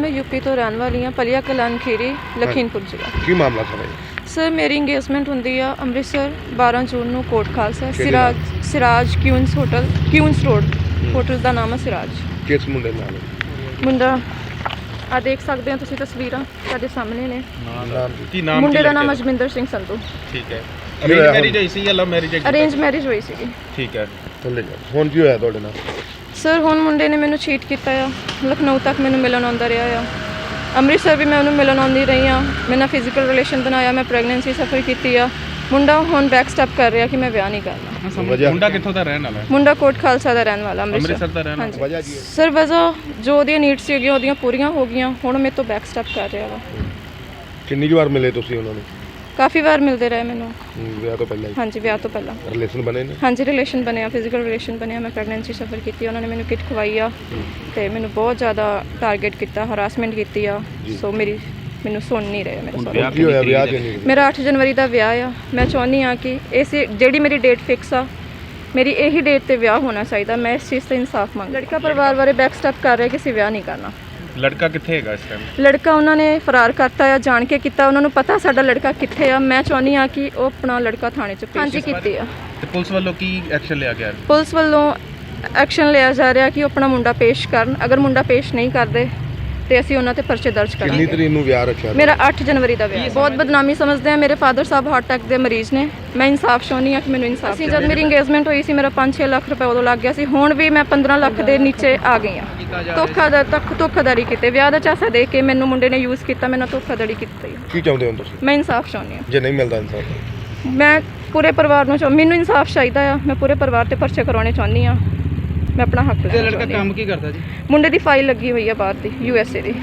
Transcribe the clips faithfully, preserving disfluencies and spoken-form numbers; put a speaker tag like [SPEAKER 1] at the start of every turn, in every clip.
[SPEAKER 1] मैं यूपी तो रहने वाली हाँ, पलिया कलान खीरी लखीमपुर जिला।
[SPEAKER 2] की मामला सर है?
[SPEAKER 1] सर मेरी इंगेजमेंट होंदी आ अमृतसर बारह जून ਨੂੰ Kot Khalsa Siraj Siraj Queens hotel Queens road hotel ਦਾ ਨਾਮ ਹੈ ਸਿਰਾਜ।
[SPEAKER 2] ਕਿਸ ਮੁੰਡੇ ਨਾਲ?
[SPEAKER 1] ਮੁੰਡਾ ਆ ਦੇਖ ਸਕਦੇ ਹੋ ਤੁਸੀਂ ਤਸਵੀਰਾਂ ਸਾਡੇ ਸਾਹਮਣੇ ਨੇ।
[SPEAKER 2] ਨਾਮ
[SPEAKER 3] ਕੀ ਨਾਮ?
[SPEAKER 1] ਮੁੰਡੇ ਦਾ ਨਾਮ ਅਜਮਿੰਦਰ ਸਿੰਘ ਸੰਧੂ।
[SPEAKER 3] ਠੀਕ ਹੈ। ਅਰੇਂਜ ਮੈਰਿਜ ਹੋਈ ਸੀ ਜਾਂ ਲਵ ਮੈਰਿਜ?
[SPEAKER 1] ਅਰੇਂਜ ਮੈਰਿਜ ਹੋਈ ਸੀਗੀ।
[SPEAKER 3] ਠੀਕ ਹੈ।
[SPEAKER 2] ਥੱਲੇ ਜਾ। ਹੁਣ ਕੀ ਹੋਇਆ ਤੁਹਾਡੇ ਨਾਲ?
[SPEAKER 1] ਸਰ ਹੁਣ ਮੁੰਡੇ ਨੇ ਮੈਨੂੰ ਚੀਟ ਕੀਤਾ ਆ, ਲਖਨਊ ਤੱਕ ਮੈਨੂੰ ਮਿਲਣ ਆਉਂਦਾ ਰਿਹਾ ਆ, ਅੰਮ੍ਰਿਤਸਰ ਵੀ ਮੈਂ ਉਹਨੂੰ ਮਿਲਣ ਆਉਂਦੀ ਰਹੀ ਹਾਂ, ਮੇਰੇ ਨਾਲ ਫਿਜ਼ੀਕਲ ਰਿਲੇਸ਼ਨ ਬਣਾਇਆ, ਮੈਂ ਪ੍ਰੈਗਨੈਂਸੀ ਸਫਰ ਕੀਤੀ ਆ। ਮੁੰਡਾ ਹੁਣ ਬੈਕ ਸਟੈਪ ਕਰ ਰਿਹਾ ਕਿ ਮੈਂ ਵਿਆਹ ਨਹੀਂ ਕਰਨਾ।
[SPEAKER 3] ਮੁੰਡਾ ਕਿੱਥੋਂ ਦਾ ਰਹਿਣ ਵਾਲਾ ਹੈ?
[SPEAKER 1] ਮੁੰਡਾ ਕੋਟ ਖਾਲਸਾ ਦਾ ਰਹਿਣ ਵਾਲਾ,
[SPEAKER 3] ਅੰਮ੍ਰਿਤਸਰ ਦਾ ਰਹਿਣ ਵਾਲਾ।
[SPEAKER 2] ਵਜ੍ਹਾ ਕੀ ਹੈ?
[SPEAKER 1] ਸਰ ਵਜ੍ਹਾ ਜੋ ਉਹਦੀਆਂ ਨੀਡਸ ਸੀਗੀਆਂ ਉਹਦੀਆਂ ਪੂਰੀਆਂ ਹੋ ਗਈਆਂ, ਹੁਣ ਮੇਰੇ ਤੋਂ ਬੈਕ ਸਟੈਪ ਕਰ ਰਿਹਾ ਵਾ।
[SPEAKER 2] ਕਿੰਨੀ ਕੁ ਵਾਰ ਮਿਲੇ ਤੁਸੀਂ ਉਹਨਾਂ ਨੂੰ?
[SPEAKER 1] ਕਾਫੀ ਵਾਰ ਮਿਲਦੇ ਰਹੇ ਮੈਨੂੰ।
[SPEAKER 2] ਵਿਆਹ ਤੋਂ ਪਹਿਲਾਂ ਹੀ?
[SPEAKER 1] ਹਾਂਜੀ ਵਿਆਹ ਤੋਂ ਪਹਿਲਾਂ
[SPEAKER 2] ਰਿਲੇਸ਼ਨ ਬਣੇ ਨੇ?
[SPEAKER 1] ਹਾਂਜੀ ਰਿਲੇਸ਼ਨ ਬਣਿਆ, ਫਿਜ਼ੀਕਲ ਰਿਲੇਸ਼ਨ ਬਣਿਆ, ਮੈਂ ਪ੍ਰੈਗਨੈਂਸੀ ਸਫਰ ਕੀਤੀ, ਉਹਨਾਂ ਨੇ ਮੈਨੂੰ ਕਿਟ ਖਵਾਈ ਆ ਤੇ ਮੈਨੂੰ ਬਹੁਤ ਜ਼ਿਆਦਾ ਟਾਰਗੇਟ ਕੀਤਾ, ਹਰਾਸਮੈਂਟ ਕੀਤੀ ਆ। ਸੋ ਮੇਰੀ ਮੈਨੂੰ ਸੁਣ ਨਹੀਂ ਰਹੇ ਮੇਰੇ ਸਾਰੇ।
[SPEAKER 2] ਕੀ ਹੋਇਆ ਵਿਆਹ ਕਿੰਨੀ?
[SPEAKER 1] ਮੇਰਾ ਅੱਠ ਜਨਵਰੀ ਦਾ ਵਿਆਹ ਆ। ਮੈਂ ਚਾਹੁੰਦੀ ਹਾਂ ਕਿ ਇਸ ਜਿਹੜੀ ਮੇਰੀ ਡੇਟ ਫਿਕਸ ਆ, ਮੇਰੀ ਇਹੀ ਡੇਟ ਤੇ ਵਿਆਹ ਹੋਣਾ ਚਾਹੀਦਾ। ਮੈਂ ਇਸ ਚੀਜ਼ ਤੇ ਇਨਸਾਫ ਮੰਗ। ਲੜਕਾ ਪਰਿਵਾਰ ਬਾਰੇ ਬੈਕ ਸਟੈਪ ਕਰ ਰਿਹਾ ਕਿ ਅਸੀਂ ਵਿਆਹ ਨਹੀਂ ਕਰਨਾ।
[SPEAKER 3] ਲੜਕਾ ਕਿੱਥੇ ਹੈਗਾ ਇਸ ਟਾਈਮ?
[SPEAKER 1] ਲੜਕਾ ਉਹਨਾਂ ਨੇ ਫਰਾਰ ਕਰਤਾ ਆ, ਜਾਣ ਕੇ ਕੀਤਾ, ਉਹਨਾਂ ਨੂੰ ਪਤਾ ਸਾਡਾ ਲੜਕਾ ਕਿੱਥੇ ਆ। ਮੈਂ ਚਾਹੁੰਦੀ ਹਾਂ ਕਿ ਉਹ ਆਪਣਾ ਲੜਕਾ ਥਾਣੇ 'ਚ ਪੇਸ਼ ਕੀਤੀ ਆ।
[SPEAKER 3] ਤੇ ਪੁਲਿਸ ਵੱਲੋਂ ਕੀ ਐਕਸ਼ਨ ਲਿਆ ਗਿਆ?
[SPEAKER 1] ਪੁਲਿਸ ਵੱਲੋਂ ਐਕਸ਼ਨ ਲਿਆ ਜਾ ਰਿਹਾ ਕਿ ਉਹ ਆਪਣਾ ਮੁੰਡਾ ਪੇਸ਼ ਕਰਨ। ਅਗਰ ਮੁੰਡਾ ਪੇਸ਼ ਨਹੀਂ ਕਰਦੇ ਤੇ ਅਸੀਂ ਉਹਨਾਂ ਤੇ ਪਰਚੇ ਦਰਜ
[SPEAKER 2] ਕਿੰਨੀ
[SPEAKER 1] ਕਰਾਂਗੇ।
[SPEAKER 2] ਤਰੀਕ ਨੂੰ ਵਿਆਹ ਰੱਖਿਆ?
[SPEAKER 1] ਮੇਰਾ ਅੱਠ ਜਨਵਰੀ ਦਾ ਵਿਆਹ। ਬਹੁਤ ਬਦਨਾਮੀ ਸਮਝਦੇ ਆ, ਮੇਰੇ ਫਾਦਰ ਸਾਹਿਬ ਹਾਰਟ ਅਟੈਕ ਦੇ ਮਰੀਜ਼ ਨੇ। ਮੈਂ ਇਨਸਾਫ ਚਾਹੁੰਦੀ ਹਾਂ ਕਿ ਮੈਨੂੰ ਇਨਸਾਫ। ਅਸੀਂ ਜਦ ਮੇਰੀ ਇੰਗੇਜਮੈਂਟ ਹੋਈ ਸੀ ਮੇਰਾ ਪੰਜ ਛੇ ਲੱਖ ਰੁਪਏ ਉਦੋਂ ਲੱਗ ਗਿਆ ਸੀ। ਹੁਣ ਵੀ ਮੈਂ ਪੰਦਰਾਂ ਲੱਖ ਦੇ ਨੀਚੇ ਆ ਗਈ ਹਾਂ। ਧੋਖਾਧੜੀ ਤੱਕ ਧੋਖਾਧੜੀ ਕੀਤੇ, ਵਿਆਹ ਦਾ ਚਾਸਾ ਦੇ ਕੇ ਮੈਨੂੰ ਮੁੰਡੇ ਨੇ ਯੂਜ਼ ਕੀਤਾ, ਮੈਨੂੰ ਧੋਖਾਧੜੀ ਕੀਤੀ।
[SPEAKER 2] ਕੀ ਚਾਹੁੰਦੇ ਹੋ ਤੁਸੀਂ?
[SPEAKER 1] ਮੈਂ ਇਨਸਾਫ ਚਾਹੁੰਦੀ ਹਾਂ।
[SPEAKER 2] ਜੇ ਨਹੀਂ ਮਿਲਦਾ ਇਨਸਾਫ?
[SPEAKER 1] ਮੈਂ ਪੂਰੇ ਪਰਿਵਾਰ ਨੂੰ ਚਾਹ ਮੈਨੂੰ ਇਨਸਾਫ ਚਾਹੀਦਾ ਆ। ਮੈਂ ਪੂਰੇ ਪਰਿਵਾਰ ਤੇ ਪਰਚੇ ਕਰਾਉਣੇ ਚਾਹੁੰਦੀ ਹਾਂ। ਮੈਂ ਆਪਣਾ ਹੱਕ ਲੈਣਾ ਚਾਹੁੰਦੀ ਹਾਂ।
[SPEAKER 3] ਲੜਕਾ ਕੰਮ ਕੀ ਕਰਦਾ ਜੀ?
[SPEAKER 1] ਮੁੰਡੇ ਦੀ ਫਾਈਲ ਲੱਗੀ ਹੋਈ ਆ ਬਾਹਰ ਦੀ, ਯੂ ਐਸ ਏ ਦੀ।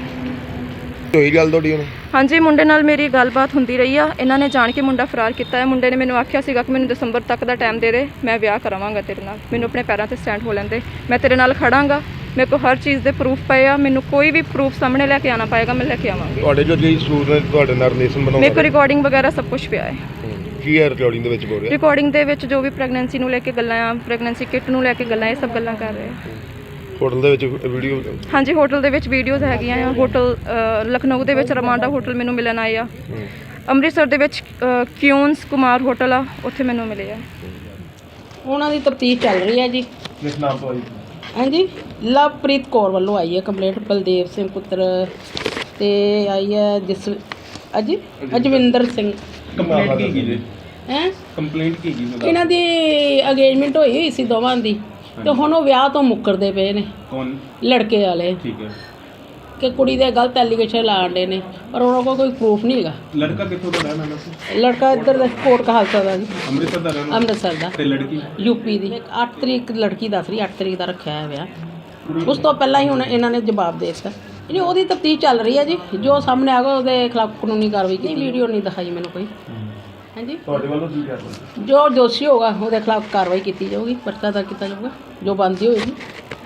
[SPEAKER 2] ਹੋਈ ਗੱਲ ਤੁਹਾਡੀ ਉਹਨੇ?
[SPEAKER 1] ਹਾਂਜੀ ਮੁੰਡੇ ਨਾਲ ਮੇਰੀ ਗੱਲਬਾਤ ਹੁੰਦੀ ਰਹੀ ਆ। ਇਹਨਾਂ ਨੇ ਜਾਣ ਕੇ ਮੁੰਡਾ ਫਰਾਰ ਕੀਤਾ ਹੈ। ਮੁੰਡੇ ਨੇ ਮੈਨੂੰ ਆਖਿਆ ਸੀਗਾ ਕਿ ਮੈਨੂੰ ਦਸੰਬਰ ਤੱਕ ਦਾ ਟਾਈਮ ਦੇ ਦੇ, ਮੈਂ ਵਿਆਹ ਕਰਾਵਾਂਗਾ ਤੇਰੇ ਨਾਲ, ਮੈਨੂੰ ਆਪਣੇ ਪੈਰਾਂ ਤੇ ਸਟੈਂਡ ਹੋ ਲੈਂਦੇ, ਮੈਂ ਤੇਰੇ ਨਾਲ ਖੜਾਂਗਾ, ਮੇਰੇ ਕੋਲ ਹਰ ਚੀਜ਼ ਦੇ ਪ੍ਰੂਫ ਪਏ ਆ, ਮੈਨੂੰ ਕੋਈ ਵੀ ਪ੍ਰੂਫ ਸਾਹਮਣੇ ਲੈ ਕੇ ਆਉਣਾ ਪਏਗਾ, ਮੈਂ ਲੈ ਕੇ ਆਵਾਂਗੀ।
[SPEAKER 2] ਤੁਹਾਡੇ ਜੋ ਜੀ ਸੂਰ ਨੇ ਤੁਹਾਡੇ ਨਾਲ ਰਿਲੇਸ਼ਨ ਬਣਾਉਂਦਾ?
[SPEAKER 1] ਮੇਰੇ ਕੋਲ ਰਿਕਾਰਡਿੰਗ ਵਗੈਰਾ ਸਭ ਕੁਝ ਪਿਆ ਹੈ।
[SPEAKER 2] ਕੀ ਹੈ ਰਿਕਾਰਡਿੰਗ ਦੇ ਵਿੱਚ ਬੋਲ ਰਿਹਾ?
[SPEAKER 1] ਰਿਕਾਰਡਿੰਗ ਦੇ ਵਿੱਚ ਜੋ ਵੀ ਪ੍ਰੈਗਨੈਂਸੀ ਨੂੰ ਲੈ ਕੇ ਗੱਲਾਂ ਆ, ਪ੍ਰੈਗਨੈਂਸੀ ਕਿਟ ਨੂੰ ਲੈ ਕੇ ਗੱਲਾਂ, ਇਹ ਸਭ ਗੱਲਾਂ ਕਰ ਰਹੇ ਆ।
[SPEAKER 2] ਹੋਟਲ ਦੇ ਵਿੱਚ ਵੀਡੀਓ?
[SPEAKER 1] ਹਾਂਜੀ ਹੋਟਲ ਦੇ ਵਿੱਚ ਵੀਡੀਓਜ਼ ਹੈਗੀਆਂ ਆ। ਹੋਟਲ ਲਖਨਊ ਦੇ ਵਿੱਚ ਰਮਾਂਡਾ ਹੋਟਲ ਮੈਨੂੰ ਮਿਲਣ ਆਏ ਆ। ਅੰਮ੍ਰਿਤਸਰ ਦੇ ਵਿੱਚ ਕਿਊਨਸ ਕੁਮਾਰ ਹੋਟਲ ਆ, ਉੱਥੇ ਮੈਨੂੰ ਮਿਲੇ ਆ।
[SPEAKER 4] ਉਹਨਾਂ ਦੀ ਤਫਤੀਸ਼ ਚੱਲ ਰਹੀ ਹੈ ਜੀ।
[SPEAKER 2] ਕਿਸ ਨਾਮ ਤੋਂ ਆਈ?
[SPEAKER 4] ਹਾਂਜੀ ਲਵਪ੍ਰੀਤ ਕੌਰ ਵੱਲੋਂ ਆਈ ਹੈ ਕੰਪਲੇਂਟ, ਬਲਦੇਵ ਸਿੰਘ ਪੁੱਤਰ ਤੇ ਆਈ ਹੈ ਜਿਸ ਅਜੀ ਅਜਵਿੰਦਰ ਸਿੰਘ।
[SPEAKER 3] ਕੰਪਲੇਂਟ ਕੀ ਕੀ ਜੀ?
[SPEAKER 4] ਹੈ
[SPEAKER 3] ਕੰਪਲੇਂਟ ਕੀ ਕੀ?
[SPEAKER 4] ਇਹਨਾਂ ਦੀ ਅਗੇਜਮੈਂਟ ਹੋਈ ਹੋਈ ਸੀ ਦੋਵਾਂ ਦੀ, ਤੇ ਹੁਣ ਉਹ ਵਿਆਹ ਤੋਂ ਮੁੱਕਰਦੇ ਪਏ ਨੇ।
[SPEAKER 3] ਕੌਣ?
[SPEAKER 4] ਲੜਕੇ ਵਾਲੇ।
[SPEAKER 3] ਠੀਕ ਹੈ।
[SPEAKER 4] ਕਿ ਕੁੜੀ ਦੇ ਗਲਤ ਐਲੀਗੇਸ਼ਨ ਲਾਉਂਦੇ ਨੇ, ਪਰ ਉਹਨਾਂ ਕੋਲ ਕੋਈ ਪ੍ਰੂਫ ਨਹੀਂ ਹੈਗਾ।
[SPEAKER 3] ਲੜਕਾ ਕਿੱਥੋਂ ਦਾ ਰਹਿਣ ਵਾਲਾ ਸੀ?
[SPEAKER 4] ਲੜਕਾ ਇੱਧਰ ਦਾ ਕੋਟ ਕਹਾਲਸਾ ਦਾ ਜੀ,
[SPEAKER 3] ਅੰਮ੍ਰਿਤਸਰ ਦਾ ਰਹਿਣ ਵਾਲਾ?
[SPEAKER 4] ਅੰਮ੍ਰਿਤਸਰ ਦਾ।
[SPEAKER 3] ਤੇ ਲੜਕੀ?
[SPEAKER 4] ਯੂਪੀ ਦੀ। ਅੱਠ ਤਰੀਕ ਲੜਕੀ ਦੱਸ ਰਹੀ, ਅੱਠ ਤਰੀਕ ਦਾ ਰੱਖਿਆ ਹੈ ਵਿਆਹ। ਉਸ ਤੋਂ ਪਹਿਲਾਂ ਹੀ ਹੁਣ ਇਹਨਾਂ ਨੇ ਜਵਾਬ ਦੇ ਦਿੱਤਾ। ਨਹੀਂ ਉਹਦੀ ਤਫਤੀਸ਼ ਚੱਲ ਰਹੀ ਹੈ ਜੀ, ਜੋ ਸਾਹਮਣੇ ਆਗਾ ਉਹਦੇ ਖਿਲਾਫ ਕਾਨੂੰਨੀ ਕਾਰਵਾਈ ਕੀਤੀ। ਵੀਡੀਓ ਨਹੀਂ ਦਿਖਾਈ ਮੈਨੂੰ ਕੋਈ। ਹਾਂਜੀ
[SPEAKER 2] ਤੁਹਾਡੇ ਵੱਲੋਂ ਕੀ ਕਰਦੇ?
[SPEAKER 4] ਜੋ ਦੋਸ਼ੀ ਹੋਗਾ ਉਹਦੇ ਖਿਲਾਫ ਕਾਰਵਾਈ ਕੀਤੀ ਜਾਊਗੀ, ਪਰਚਾ ਦਰਜ ਕੀਤਾ ਜਾਊਗਾ, ਜੋ ਬਣਦੀ ਹੋਏਗੀ।